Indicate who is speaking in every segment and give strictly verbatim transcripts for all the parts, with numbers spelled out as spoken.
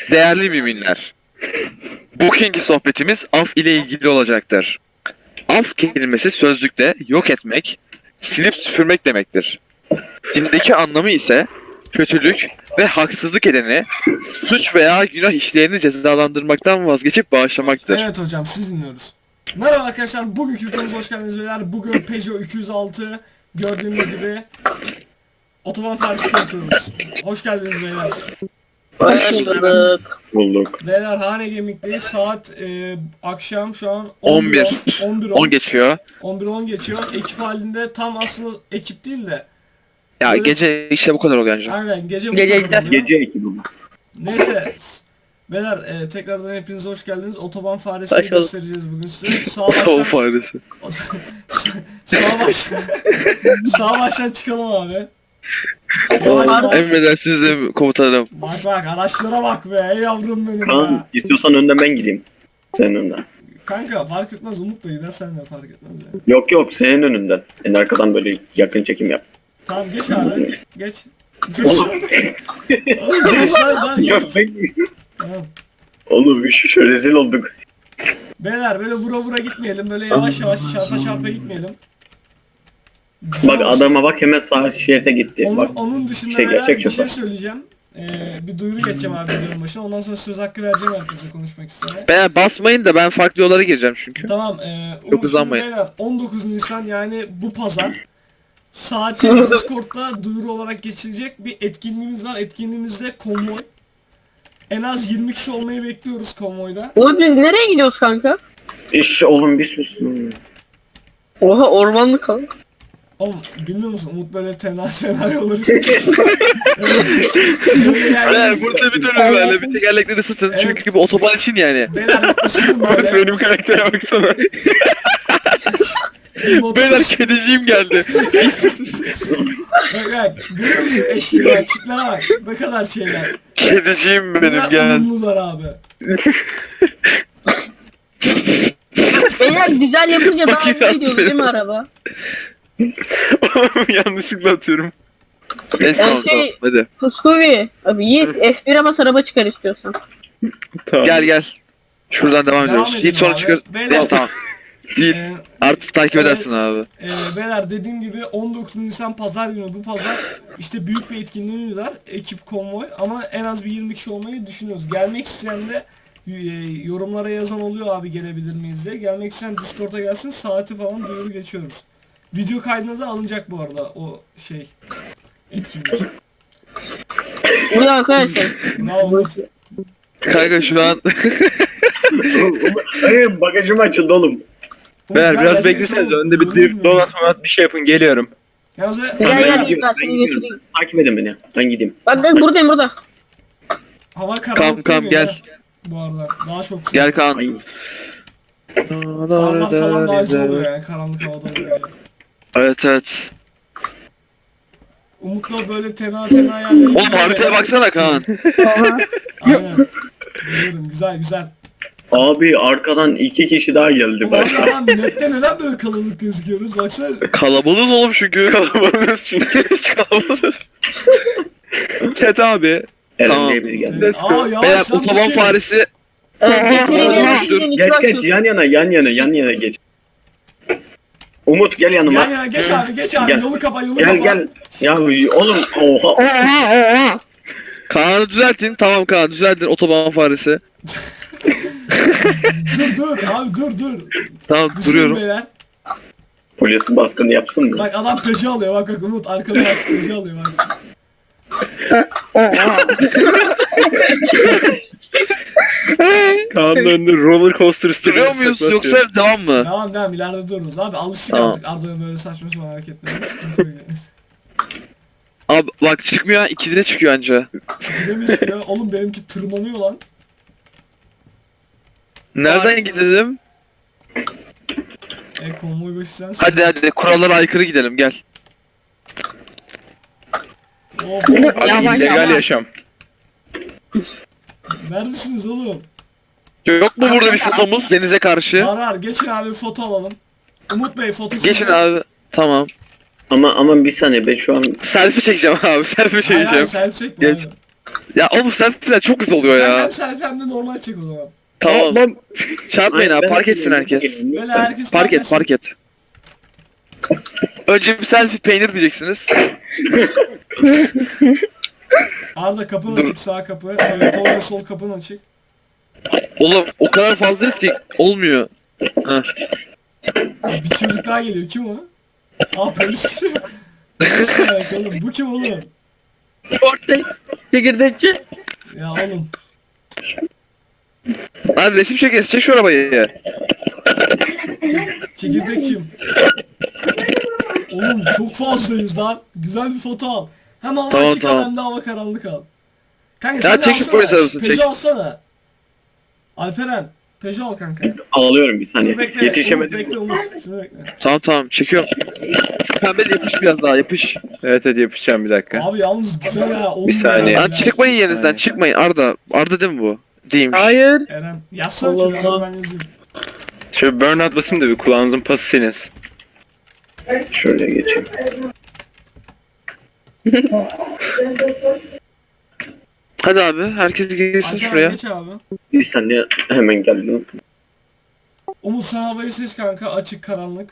Speaker 1: Değerli müminler, bugünkü sohbetimiz af ile ilgili olacaktır. Af kelimesi sözlükte yok etmek, silip süpürmek demektir. Dindeki anlamı ise kötülük ve haksızlık edeni, suç veya günah işleyeni cezalandırmaktan vazgeçip bağışlamaktır.
Speaker 2: Evet hocam, siz dinliyoruz. Merhaba arkadaşlar, bugünkü videomuza hoş geldiniz beyler. Bugün Peugeot iki yüz altı gördüğünüz gibi otoban faresi tanıtıyoruz. Hoş geldiniz beyler.
Speaker 3: Hoş bulduk.
Speaker 4: Bulduk.
Speaker 2: Beyler Hane Gemik'teyiz. Saat e, akşam şu an
Speaker 1: on bir.
Speaker 2: on bir
Speaker 1: on geçiyor.
Speaker 2: on bir on geçiyor. Ekip halinde, tam aslında ekip değil de.
Speaker 1: Ya
Speaker 2: Böyle-
Speaker 1: gece işte bu kadar oluyor ancak.
Speaker 2: Aynen gece bu
Speaker 3: Gece
Speaker 2: kadar oluyor.
Speaker 4: Gece ekibi bu.
Speaker 2: Neyse. Beyler e, tekrardan hepiniz hoş geldiniz. Otoban faresini
Speaker 3: Hoş bulduk.
Speaker 2: göstereceğiz bugün size. Sağ
Speaker 1: Tavuk
Speaker 2: baştan,
Speaker 1: faresi.
Speaker 2: sağ baştan, sağ baştan çıkalım abi. Yavaş yavaş.
Speaker 1: Emredersiniz de komutanım.
Speaker 2: Bak bak, araçlara bak be, ey yavrum benim
Speaker 4: Kaan
Speaker 2: ya.
Speaker 4: istiyorsan önden ben gideyim. Senin önden.
Speaker 2: Kanka fark etmez, Umut da gider, sen de fark etmez yani.
Speaker 4: Yok yok senin önünden. En arkadan böyle yakın çekim yap.
Speaker 2: Tamam geç abi, geç. Geç. Oğlum geç lan lan
Speaker 4: Ya
Speaker 2: geç.
Speaker 4: ben...
Speaker 2: Tamam.
Speaker 4: Oğlum şu, şu rezil olduk.
Speaker 2: Beyler böyle vura vura gitmeyelim, böyle yavaş yavaş çarpa çarpa gitmeyelim. Güzel
Speaker 4: Bak
Speaker 2: olsun.
Speaker 4: adama bak hemen sağ şerite gitti.
Speaker 2: Onun,
Speaker 4: Bak
Speaker 2: onun dışında
Speaker 4: şey,
Speaker 2: beyler
Speaker 4: gerçek
Speaker 2: bir şey
Speaker 4: şoför.
Speaker 2: söyleyeceğim. Ee, bir duyuru geçeceğim abi videonun başına. Ondan sonra söz hakkı vereceğim herkese konuşmak istene.
Speaker 1: Ben basmayın da ben farklı yollara gireceğim çünkü.
Speaker 2: Tamam. E,
Speaker 1: Çok
Speaker 2: Umut,
Speaker 1: hızlanmayın.
Speaker 2: şimdi beyler on dokuz Nisan, yani bu pazar saati Discord'da duyuru olarak geçilecek bir etkinliğimiz var. Etkinliğimizde konvoy. En az yirmi kişi olmayı bekliyoruz konvoyda.
Speaker 3: Umut, biz nereye gidiyoruz kanka?
Speaker 4: iş oğlum bir sus.
Speaker 3: Oha, ormanlık kal.
Speaker 2: Oğlum bilmiyor musun, Umut böyle tenha tenha yolları.
Speaker 1: Evet, burada bir dönüm böyle bir tekerlekleri ısıtın
Speaker 2: Evet.
Speaker 1: çünkü bu otoban için yani.
Speaker 2: Beyler ısının böyle.
Speaker 1: Benim karaktere baksana. Beyler kediciğim geldi.
Speaker 2: Bak bak, görüyor musun eşliğe, çiplere bak, ne kadar şeyler.
Speaker 1: Kediciğim benim
Speaker 2: Bunlar
Speaker 1: gel.
Speaker 2: uyumlular abi.
Speaker 3: Beyler güzel yapınca daha
Speaker 1: Bakayım
Speaker 3: iyi gidiyor değil mi
Speaker 1: atıyorum.
Speaker 3: araba?
Speaker 1: Yanlışlıkla atıyorum. Neyse
Speaker 3: Ben
Speaker 1: tamam
Speaker 3: şey-
Speaker 1: tamam hadi.
Speaker 3: Puskuvi. Abi Yiğit F bir'e bas, araba çıkar istiyorsan.
Speaker 4: Tamam.
Speaker 1: Gel gel. Şuradan devam
Speaker 2: Devam
Speaker 1: ediyoruz.
Speaker 2: edelim
Speaker 1: Hiç sonra
Speaker 2: abi.
Speaker 1: çıkar.
Speaker 2: Beyler-
Speaker 1: Neyse tamam. Yiğit
Speaker 2: Ee,
Speaker 1: artık takip
Speaker 2: evet.
Speaker 1: edersin abi.
Speaker 2: e, beyler dediğim gibi on dokuz Nisan pazar günü, bu pazar işte büyük bir etkinliğimiz var. Ekip konvoy, ama en az bir yirmi kişi olmayı düşünüyoruz. Gelmek isteyen de e, yorumlara yazan oluyor abi, gelebilir miyiz diye. Gelmek isteyen Discord'a gelsin, saati falan duyuru geçiyoruz. Video kaydına da alınacak bu arada o şey etkinlik.
Speaker 3: Bu da arkadaşlar.
Speaker 2: Ne Umut?
Speaker 1: Kanka şu an
Speaker 4: Hayır bagajım açıldı oğlum.
Speaker 5: Beyler
Speaker 2: Umut,
Speaker 5: biraz
Speaker 2: gel,
Speaker 5: bekleseniz
Speaker 2: gel,
Speaker 5: önde bir
Speaker 2: gel,
Speaker 5: drift
Speaker 2: gel.
Speaker 5: donat donat bir şey yapın, geliyorum.
Speaker 2: Yalnız
Speaker 3: Gel
Speaker 4: Ben
Speaker 3: gel
Speaker 4: gidiyorum,
Speaker 3: Yiğit, ben
Speaker 4: ben
Speaker 3: seni
Speaker 4: gidiyorum.
Speaker 3: götüreyim.
Speaker 4: Takip edin beni. Ben gideyim.
Speaker 3: Bak bak, buradayım burada.
Speaker 2: hava
Speaker 1: kam
Speaker 2: karanlık
Speaker 1: kam
Speaker 2: değil
Speaker 1: gel.
Speaker 2: ya, bu arada. Daha çok sıcak.
Speaker 1: Gel Kaan.
Speaker 4: Ay,
Speaker 2: Farlar falan daha güzel oluyor yani, karanlık havada oluyor yani.
Speaker 1: Evet evet.
Speaker 2: Umut'la böyle tenha tenha yerlere
Speaker 1: Oğlum
Speaker 2: gidiyor
Speaker 1: haritaya
Speaker 2: ya.
Speaker 1: baksana Kaan.
Speaker 2: Aynen. Biliyorum, güzel güzel.
Speaker 4: Abi arkadan iki kişi daha geldi.
Speaker 2: Ulan
Speaker 4: Bak.
Speaker 2: lan map'te neden böyle kalabalık gözüküyoruz, baksana.
Speaker 1: Kalabalığız oğlum çünkü.
Speaker 5: Kalabalığız çünkü.
Speaker 1: Hiç kalabalığız.
Speaker 5: Chat abi.
Speaker 4: Eren
Speaker 1: Tamam.
Speaker 4: diye biri geldi.
Speaker 5: Let's go.
Speaker 2: Aa
Speaker 1: Beyler
Speaker 2: yavaş lan,
Speaker 1: otoban
Speaker 2: geçelim.
Speaker 1: faresi.
Speaker 3: Evet,
Speaker 1: Dur,
Speaker 3: getireyim.
Speaker 4: Geç geç yan yana yan yana yan yana geç. Umut gel yanıma.
Speaker 2: Yan yana geç abi, geç abi,
Speaker 4: Gel.
Speaker 2: yolu kapa, yolu
Speaker 4: Gel
Speaker 2: kapa.
Speaker 4: gel. Ya oğlum oha.
Speaker 1: Kaan'ı düzeltin. Tamam Kaan düzeltin otoban faresi.
Speaker 2: Dur dur abi, dur dur.
Speaker 1: Tamam
Speaker 2: Düzgün
Speaker 1: duruyorum.
Speaker 2: beyler.
Speaker 4: Polis baskını yapsın mı?
Speaker 2: Bak adam peşi alıyor, bak bak Umut arkada bak, peşi alıyor bak.
Speaker 5: Kaan'ın önünde roller coaster istiyor.
Speaker 1: Duruyor muyuz yoksa devam mı?
Speaker 2: Devam devam, ileride dururuz abi, alıştık
Speaker 1: Tamam.
Speaker 2: artık Arda'ya böyle saçma sapan hareketlerine. Sıkıntı yok yani.
Speaker 1: Abi bak çıkmıyor, ikide çıkıyor anca.
Speaker 2: Demiş ya, oğlum benimki tırmanıyor lan.
Speaker 1: Nereden gidelim?
Speaker 2: E konvoy başı sensin.
Speaker 1: Hadi hadi kurallara aykırı gidelim gel.
Speaker 2: Hop, hop, hop.
Speaker 3: Yavaş,
Speaker 5: illegal
Speaker 3: yavaş.
Speaker 5: yaşam.
Speaker 2: Neredesiniz oğlum?
Speaker 1: Yok mu burada bir fotomuz denize karşı?
Speaker 2: Var var, geçin abi, foto alalım. Umut Bey fotosu.
Speaker 1: Geçin abi. Tamam.
Speaker 4: Ama ama bir saniye ben şu an
Speaker 1: Selfie çekeceğim abi selfie
Speaker 2: Hayır hayır,
Speaker 1: çekeceğim.
Speaker 2: sen çekme
Speaker 1: Geç.
Speaker 2: abi.
Speaker 1: Ya oğlum selfie'ler çok güzel oluyor
Speaker 2: Ben
Speaker 1: ya.
Speaker 2: hem selfie hem de normal çek o zaman.
Speaker 1: Tamam.
Speaker 5: Lan
Speaker 1: Çarpmayın abi
Speaker 4: Ben-
Speaker 1: park etsin herkes.
Speaker 2: Böyle herkes
Speaker 1: Park et
Speaker 2: etsin.
Speaker 1: park et. Önce bir selfie peynir diyeceksiniz.
Speaker 2: Arda kapın
Speaker 1: Dur.
Speaker 2: açık, sağ kapı. Evet, Tolga sol kapın açık.
Speaker 1: Oğlum o kadar fazlayız ki olmuyor. Heh.
Speaker 2: Bir çocuk daha geliyor. Kim o? Aa polis geliyor. Nasıl merak oğlum? Bu kim oğlum?
Speaker 6: Cortex. Çekirdekçi.
Speaker 2: Ya oğlum.
Speaker 1: Hadi resim çekeriz çek şu arabayı.
Speaker 2: Çek, çekirdek kim? Oğlum çok fazlayız lan. Güzel bir foto al. Hem hava
Speaker 1: Tamam,
Speaker 2: açık al
Speaker 1: tamam.
Speaker 2: hem de hava karanlık al. Kanka
Speaker 1: Ya
Speaker 2: sen de
Speaker 1: çek şu
Speaker 2: alsana.
Speaker 1: polis arabasını,
Speaker 2: Peugeot
Speaker 1: çek.
Speaker 2: alsana. Alperen. Peugeot al kanka.
Speaker 4: Alıyorum bir
Speaker 2: Dur
Speaker 4: saniye.
Speaker 2: bekle. Umut,
Speaker 4: Yetişemedim.
Speaker 2: bekle Umut. Şunu bekle.
Speaker 1: Tamam tamam çekiyorum. Şu pembe de yapış biraz daha yapış.
Speaker 5: evet hadi yapışacağım bir dakika.
Speaker 2: Abi yalnız güzel ya. on
Speaker 5: Bir saniye.
Speaker 2: numara
Speaker 1: Lan
Speaker 2: ya.
Speaker 1: çıkmayın yerinizden çıkmayın Arda. Arda değil mi bu? Değilmiş.
Speaker 6: Hayır.
Speaker 2: Eren. Yazsana
Speaker 6: Allah
Speaker 2: çocuğa
Speaker 6: Allah.
Speaker 2: ben yazayım.
Speaker 5: Şöyle burnout basayım da bir kulağınızın pası seniz.
Speaker 4: Şöyle geçeyim.
Speaker 1: Hadi abi herkes gelsin
Speaker 2: Alperen
Speaker 1: şuraya.
Speaker 2: geç abi.
Speaker 4: Bir saniye hemen geldim.
Speaker 2: Umut sen havayı seç kanka. Açık karanlık.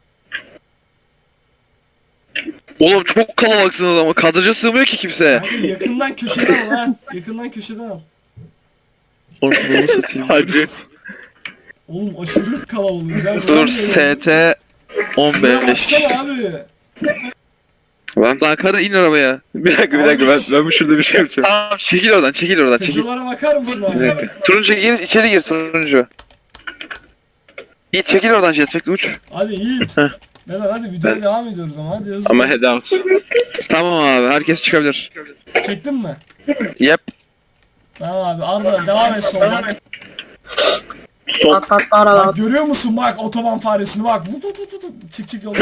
Speaker 1: Oğlum çok kalabalıksınız ama kadraja sığmıyor ki kimse.
Speaker 2: Abi yakından köşeden al ha. Yakından köşeden al.
Speaker 1: Oğlum bunu satayım.
Speaker 5: Hacı.
Speaker 2: Oğlum aşırı kalabalığız ya.
Speaker 1: Dur S T on
Speaker 2: Şuraya
Speaker 1: beş.
Speaker 2: baksana abi.
Speaker 5: Lan,
Speaker 1: Lan karı in arabaya.
Speaker 5: bir dakika bir dakika ben, ben bu şurada bir şey yapacağım.
Speaker 1: Tamam çekil oradan çekil oradan çekil.
Speaker 2: Peugeot'lara bakar mısın
Speaker 5: Bir
Speaker 2: abi?
Speaker 5: dakika.
Speaker 1: Turuncu gir içeri gir turuncu. Yiğit çekil oradan jetpack'le uç.
Speaker 2: Hadi Yiğit.
Speaker 1: Heh.
Speaker 2: Beyler hadi videoya devam ediyoruz ama hadi hızlı.
Speaker 5: Ama head out.
Speaker 1: Tamam abi herkes çıkabilir.
Speaker 2: Çektin mi?
Speaker 1: Yep.
Speaker 2: Tamam abi Arda devam et sondan.
Speaker 4: Son.
Speaker 3: At at ara
Speaker 2: Bak
Speaker 3: at.
Speaker 2: görüyor musun bak otoban faresini bak. Vut, vut, vut, vut. Çık çık yola.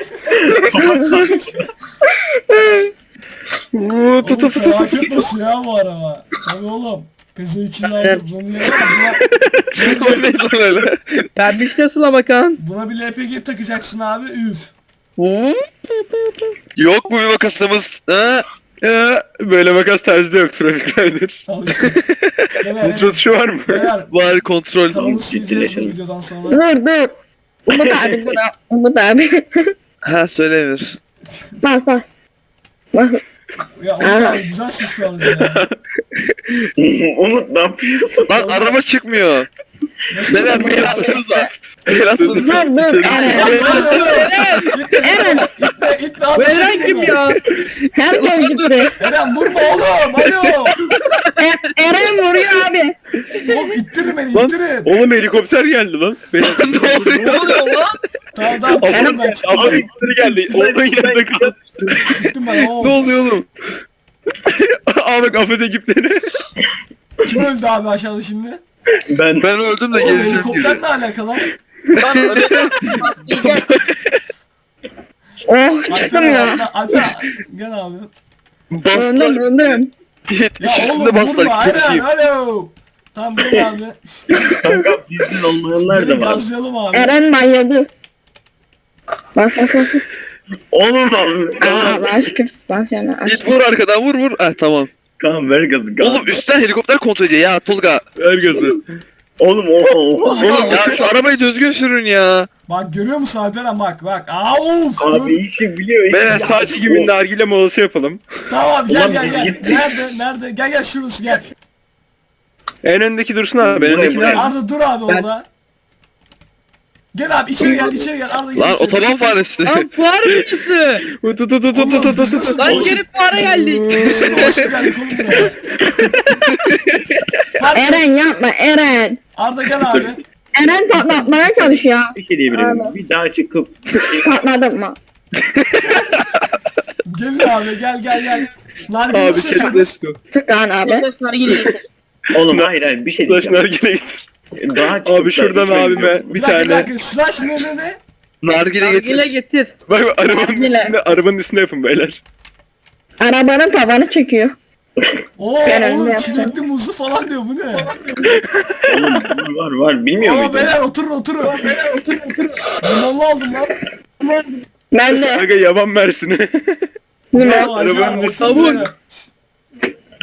Speaker 5: Uuu tut
Speaker 2: Oğlum
Speaker 5: tut tut.
Speaker 2: felaket basıyor ya bu araba. Tabii oğlum. Kızı ikili aldım. Bunu yapma.
Speaker 1: O neydi lan öyle?
Speaker 6: Pembiş nasıl ama kan?
Speaker 2: Buna bir L P G takacaksın abi. Üf.
Speaker 6: Hı?
Speaker 1: Yok mu bir makasımız? Ha?
Speaker 5: Ee, böyle makas tarzı da yok Traffic Rider.
Speaker 2: Al işte. Beyler,
Speaker 5: Nitro tuşu var mı?
Speaker 2: beyler
Speaker 1: Var kontrol.
Speaker 2: kanalı sileceğiz bu
Speaker 4: ciddileşelim.
Speaker 2: videodan sonra.
Speaker 7: Dur dur. Umut abi dur. Umut abi.
Speaker 1: Ha söyle Emir.
Speaker 7: Bak bak. Bak.
Speaker 2: Ya Umut abi güzelsin şu an ya.
Speaker 4: Umut ne yapıyorsun?
Speaker 1: Lan araba çıkmıyor.
Speaker 2: Nasıl
Speaker 1: Beyler bir el atsanıza. Bir el atsanıza.
Speaker 7: Dur dur. Eren.
Speaker 2: Eren! İtme, itme,
Speaker 6: Bu
Speaker 2: ateş
Speaker 6: Eren
Speaker 2: etme
Speaker 6: kim
Speaker 2: bunu.
Speaker 6: ya?
Speaker 7: Herkes gitti.
Speaker 2: Eren vurma oğlum, alo!
Speaker 7: E- Eren vuruyor abi.
Speaker 2: Oğlum ittirin beni,
Speaker 5: Lan
Speaker 2: ittirin.
Speaker 5: oğlum helikopter geldi lan. Benim
Speaker 1: Ne oluyor?
Speaker 6: Ne oluyor lan?
Speaker 2: Tamam tamam, çıktım ben, çıktım
Speaker 5: Abi helikopter geldi. Onun yanında kaldı.
Speaker 2: çıktım ben.
Speaker 1: Ne
Speaker 2: Oğlum,
Speaker 1: oluyor oğlum?
Speaker 5: Aa bak affet ekipleri.
Speaker 2: kim öldü abi aşağıda şimdi?
Speaker 4: Ben
Speaker 1: Ben öldüm de
Speaker 2: Oğlum
Speaker 1: geleceğim
Speaker 2: helikopter
Speaker 1: gibi.
Speaker 2: ne alakalı?
Speaker 6: Lan öyle
Speaker 3: Gel.
Speaker 7: Oh çıktım
Speaker 2: Alper,
Speaker 7: ya.
Speaker 2: Alper, Alper, gel abi.
Speaker 1: Bastılar.
Speaker 7: Öldüm öldüm.
Speaker 1: Yiğit
Speaker 2: Ya
Speaker 1: üstüne
Speaker 2: oğlum
Speaker 1: bastılar.
Speaker 2: vurma, Eren,
Speaker 1: Geçeyim.
Speaker 2: alo! Tamam gel abi.
Speaker 4: kanka bizden olmayanlar
Speaker 2: Gelin
Speaker 4: da var.
Speaker 2: gazlayalım abi.
Speaker 7: Eren manyadı. Bak bak bak.
Speaker 4: Oğlum
Speaker 7: Aa Allah şükür. Bak yani.
Speaker 1: Yiğit vur arkadan vur vur. Ah tamam.
Speaker 4: kan ver gazı kan.
Speaker 1: Oğlum üstten helikopter kontrol ediyor ya Tolga.
Speaker 5: Ver gazı.
Speaker 4: Oğlum oha oha.
Speaker 1: Oğlum ya şu arabayı düzgün sürün ya.
Speaker 2: Bak görüyor musun Alperen bak bak. Aa uf!
Speaker 4: Abi
Speaker 2: dur.
Speaker 4: işi biliyor. işi
Speaker 5: Beyler
Speaker 4: biliyor.
Speaker 5: sadece gibi nargile molası yapalım.
Speaker 2: Tamam gel
Speaker 4: Ulan
Speaker 2: gel
Speaker 4: biz
Speaker 2: gel.
Speaker 4: gittik.
Speaker 2: Nerede nerede? Gel gel şurası gel.
Speaker 5: En öndeki dursun abi. En
Speaker 4: Buraya,
Speaker 5: öndeki
Speaker 4: buraya.
Speaker 2: Arda dur abi orada. Gel abi içeri gel içeri gel Arda gel
Speaker 1: Lan
Speaker 2: içeri.
Speaker 1: otoban faresi.
Speaker 6: Lan fuar biçisi.
Speaker 5: Tut tut tut tut tut tut tut tut.
Speaker 6: Lan geri fuara geldik.
Speaker 2: Nasıl dolaşıp geldik oğlum buraya? Hadi,
Speaker 7: Eren yapma Eren.
Speaker 2: Arda gel abi.
Speaker 7: Eren patlatmaya çalışıyor.
Speaker 4: Bir şey diyebilirim.
Speaker 7: Abi.
Speaker 4: Bir daha çıkıp
Speaker 7: Patladım mı?
Speaker 2: Gelin abi gel gel gel. Nargile
Speaker 5: Abi
Speaker 2: nasıl
Speaker 5: chat
Speaker 2: çıkmış?
Speaker 5: let's go.
Speaker 7: Çık lan abi.
Speaker 3: Sesler gelir.
Speaker 4: oğlum hayır hayır bir şey
Speaker 5: Slash
Speaker 4: diyeceğim.
Speaker 5: nargile getir.
Speaker 4: Daha çıkıp
Speaker 5: Abi şuradan
Speaker 4: da içmeyiz
Speaker 5: abime
Speaker 4: yok.
Speaker 5: bir
Speaker 2: Bir dakika bir
Speaker 5: tane.
Speaker 2: dakika. Slash ne ne ne?
Speaker 1: Nargile
Speaker 6: Nargile
Speaker 1: getir.
Speaker 6: getir.
Speaker 5: Bak bak, arabanın
Speaker 7: Nargile.
Speaker 5: üstünde arabanın üstünde yapın beyler.
Speaker 7: Arabanın tavanı çekiyor.
Speaker 2: Oo
Speaker 7: Gel
Speaker 2: oğlum
Speaker 7: önüne
Speaker 2: çilekli muzlu falan diyor bu ne?
Speaker 4: Oğlum var var bilmiyor
Speaker 2: Oo
Speaker 4: muydun?
Speaker 2: beyler oturun oturun. Beyler oturun oturun. Limonlu aldım lan.
Speaker 7: Ben de.
Speaker 5: Aga yaban mersini.
Speaker 7: Limon.
Speaker 2: Oo, acı
Speaker 5: arabanın
Speaker 2: abi,
Speaker 5: üstünde.
Speaker 2: oturun beyler.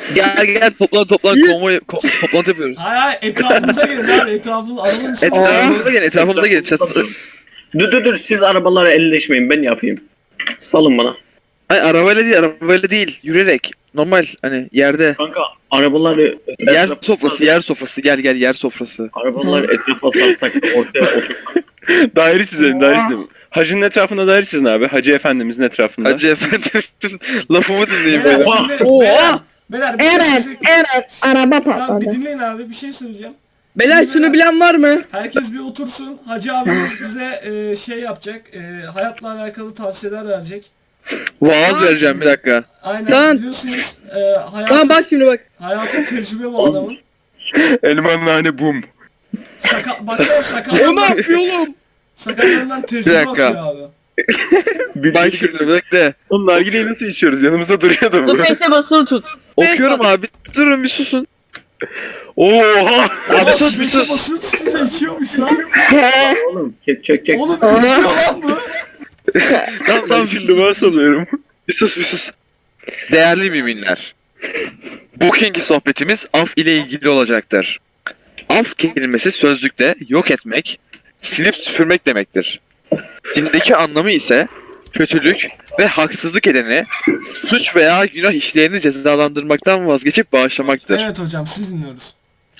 Speaker 1: Gel gel toplan toplan
Speaker 6: Yiğit.
Speaker 1: konvoy ko- toplantı yapıyoruz.
Speaker 2: Hayır hayır etrafımıza gelin abi etrafımız arabanın üstüne.
Speaker 1: Etrafımıza gelin etrafımıza gelin. Çatı...
Speaker 4: Dur dur dur siz arabalara elleşmeyin ben yapayım. Salın bana.
Speaker 1: Ay arabayla değil arabayla değil yürüyerek. Normal hani yerde.
Speaker 4: Kanka arabaları
Speaker 1: Yer
Speaker 4: etrafa-
Speaker 1: sofrası yer sofrası gel gel yer sofrası.
Speaker 4: Arabaları etrafa sarsak da ortaya otur.
Speaker 5: Daire çizelim, daire çizelim. Hacının etrafında daire çizin abi. Hacı efendimizin etrafında.
Speaker 1: Hacı efendimizin lafımı dinleyin
Speaker 2: Beyler,
Speaker 1: böyle.
Speaker 2: şimdi,
Speaker 6: Oha!
Speaker 2: beyler, beyler bir şey
Speaker 7: Evet,
Speaker 2: söyleyeceğim.
Speaker 7: evet. Araba
Speaker 2: Tamam bir
Speaker 7: patladı.
Speaker 2: dinleyin abi bir şey söyleyeceğim.
Speaker 6: Beyler şunu bilen var mı?
Speaker 2: Herkes bir otursun. Hacı abimiz bize e, şey yapacak. E, hayatla alakalı tavsiyeler verecek.
Speaker 1: Vaaz vereceğim bir dakika.
Speaker 2: Aynen
Speaker 6: Tamam.
Speaker 2: biliyorsunuz e, hayatın,
Speaker 6: Tamam bak şimdi bak.
Speaker 2: hayatın tecrübe bu adamın.
Speaker 5: Elmanlı hani bum.
Speaker 2: Sakal, baksana
Speaker 6: O ne
Speaker 2: sakallarından,
Speaker 6: yapıyor oğlum?
Speaker 2: sakallarından tecrübe
Speaker 1: Bir dakika.
Speaker 2: akıyor abi.
Speaker 5: Bir
Speaker 1: Bak şimdi bir dakika.
Speaker 5: Oğlum nargileyi nasıl içiyoruz? Yanımızda duruyordu bu.
Speaker 3: Space'e basılı tut.
Speaker 1: Okuyorum abi. Durun bir susun.
Speaker 5: Oha!
Speaker 1: Abi
Speaker 2: Aa,
Speaker 1: sus bir
Speaker 2: space'e
Speaker 1: sus.
Speaker 2: basılı tutunca içiyormuş lan.
Speaker 4: Oğlum çek çek çek.
Speaker 2: Oğlum içiyor lan bu.
Speaker 1: Tamam tamam bir sus.
Speaker 5: Duvar salıyorum.
Speaker 1: Bir sus bir sus. Değerli müminler. Bugünkü sohbetimiz af ile ilgili olacaktır. Af kelimesi sözlükte yok etmek, silip süpürmek demektir. Dindeki anlamı ise kötülük ve haksızlık edeni, suç veya günah işleyeni cezalandırmaktan vazgeçip bağışlamaktır.
Speaker 2: Evet hocam siz dinliyoruz.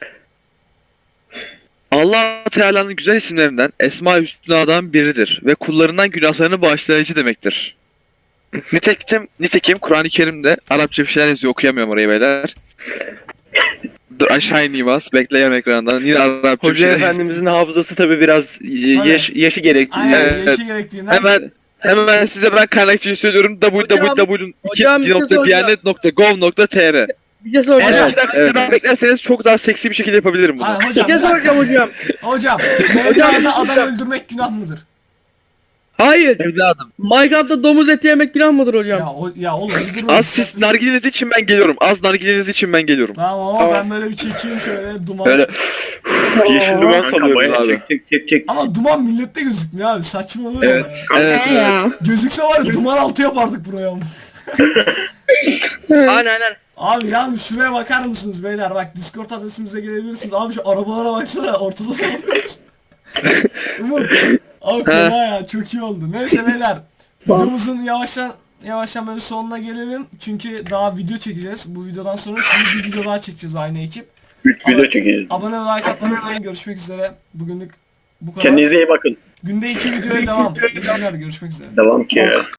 Speaker 1: Allah Teala'nın güzel isimlerinden Esma-i Hüsna'dan biridir ve kullarından günahlarını bağışlayıcı demektir. Nitekim, nitekim Kur'an-ı Kerim'de Arapça bir şeyler yazıyor okuyamıyorum orayı beyler. Dur aşağı ineyim az bekleyen ekrandan yine Arapça bir
Speaker 5: Hoca
Speaker 1: şeyler.
Speaker 5: efendimizin hafızası tabi biraz y-
Speaker 2: Tabii.
Speaker 5: yaş, yaşı gerektiriyor.
Speaker 2: Aynen
Speaker 1: Evet.
Speaker 2: yaşı gerektiğinden.
Speaker 1: Hemen hemen size ben kaynakçayı söylüyorum
Speaker 6: hocam bir şey
Speaker 1: www nokta diyanet nokta gov nokta tr.
Speaker 6: Bir şey
Speaker 1: Eğer
Speaker 6: soracağım.
Speaker 1: iki dakika
Speaker 5: evet.
Speaker 1: daha beklerseniz çok daha seksi bir şekilde yapabilirim bunu.
Speaker 2: Aynen
Speaker 6: Bir
Speaker 2: hocam.
Speaker 6: şey soracağım hocam.
Speaker 2: Hocam.
Speaker 6: Hocam,
Speaker 2: Mevla'da
Speaker 6: bir şey
Speaker 2: adam
Speaker 6: soracağım.
Speaker 2: öldürmek günah mıdır?
Speaker 6: Hayır.
Speaker 1: Evladım.
Speaker 6: Minecraft'ta domuz eti yemek günah mıdır hocam?
Speaker 2: Ya, o, ya oğlum bir durun.
Speaker 1: Az siz nargileniz için ben geliyorum. Az nargileniz için ben geliyorum.
Speaker 2: Tamam ama ben böyle bir çekeyim şöyle duman.
Speaker 5: Böyle yeşil duman
Speaker 4: Kanka
Speaker 5: salıyoruz
Speaker 4: bayağı
Speaker 5: abi.
Speaker 4: çek çek çek çek.
Speaker 2: Ama duman millette gözükmüyor abi saçmalama.
Speaker 4: Evet.
Speaker 1: Evet.
Speaker 7: Ne ya?
Speaker 2: Gözükse var ya duman altı yapardık buraya ama.
Speaker 6: Aynen aynen.
Speaker 2: Abi yalnız şuraya bakar mısınız beyler bak Discord adresimize gelebilirsiniz. Abi şu arabalara baksana ortada kalıyoruz. Umut. Abi fena ya çok iyi oldu. Neyse beyler videomuzun yavaştan yavaştan böyle sonuna gelelim. Çünkü daha video çekeceğiz. Bu videodan sonra şimdi bir video daha çekeceğiz aynı ekip.
Speaker 4: üç video çekeceğiz.
Speaker 2: Abone ve like atmayı unutmayın. Görüşmek üzere. Bugünlük bu kadar.
Speaker 4: Kendinize iyi bakın.
Speaker 2: Günde iki videoya devam. İyi günler. Görüşmek üzere.
Speaker 4: Devam ki.